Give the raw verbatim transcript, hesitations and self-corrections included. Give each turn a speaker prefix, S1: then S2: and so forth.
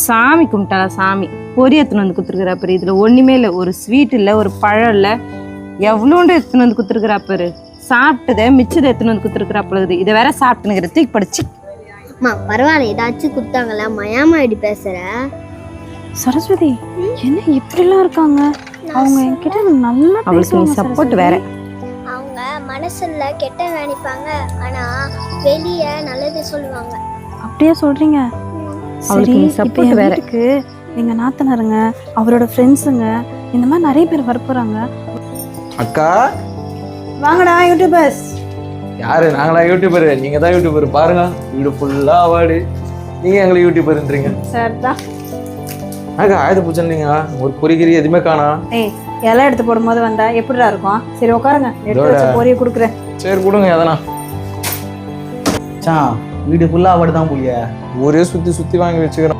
S1: சாமி கும்பிட்டாளா சாமி பொரி எடுத்துன்னு வந்து குத்துருக்குறாப்பாரு. இதுல ஒண்ணுமே இல்லை, ஒரு ஸ்வீட் இல்லை, ஒரு பழம் இல்லை, எவ்வளோண்டு எடுத்துன்னு வந்து குத்துருக்குறாப்பாரு. சாப்பிட்டதை மிச்சதை எடுத்துன்னு வந்து குத்துருக்குறாப்புல. இதை வேற சாப்பிட்டுனுங்கிற தூக்கி படிச்சு.
S2: அம்மா பரவாயில்ல, ஏதாச்சும் கொடுத்தாங்களா? மயாமா இப்படி பேசுற?
S3: சரஸ்வதி என்ன இப்படிலாம் இருக்காங்க? அவங்க என்கிட்ட நல்லா
S1: அவளுக்கு நீ சப்போர்ட் வேற.
S2: அவங்க மனசுல கெட்ட நினைப்பாங்க, ஆனா வெளியே நல்லது சொல்லுவாங்க.
S3: அப்படியே சொல்றீங்க? சரி, இப்போ என் வீட்டுக்கு எங்க நாத்தனாருங்க, அவரோட ஃப்ரெண்ட்ஸுங்க, இந்த மாதிரி நிறைய பேர் வரப்போறாங்க.
S4: அக்கா
S3: வாங்கடா யூடியூபர்ஸ்.
S4: யாரு? நாங்களா யூடியூபர்? நீங்க தான் யூடியூபர். பாருங்க வீடு ஃபுல்லா அவார்டு, நீங்க எங்களை யூடியூபர்ன்றீங்க.
S3: சார் தான்
S4: அக்கா ஆயுத பூஜைன்னீங்க, ஒரு பொறிகிரி எதுவுமே காணா.
S3: ஏய் இலை எடுத்து போடும்போது வந்தா எப்படிடா இருக்கும்? சரி உட்காருங்க, எடுத்து வச்ச பொரியை கொடுக்குறேன்.
S4: சரி கொடுங்க எதனா.
S5: வீடு ஃபுல்லா அவார்டு தான் போலியா?
S4: ஒரே சுத்தி சுத்தி வாங்கி வச்சுக்கிறோம்.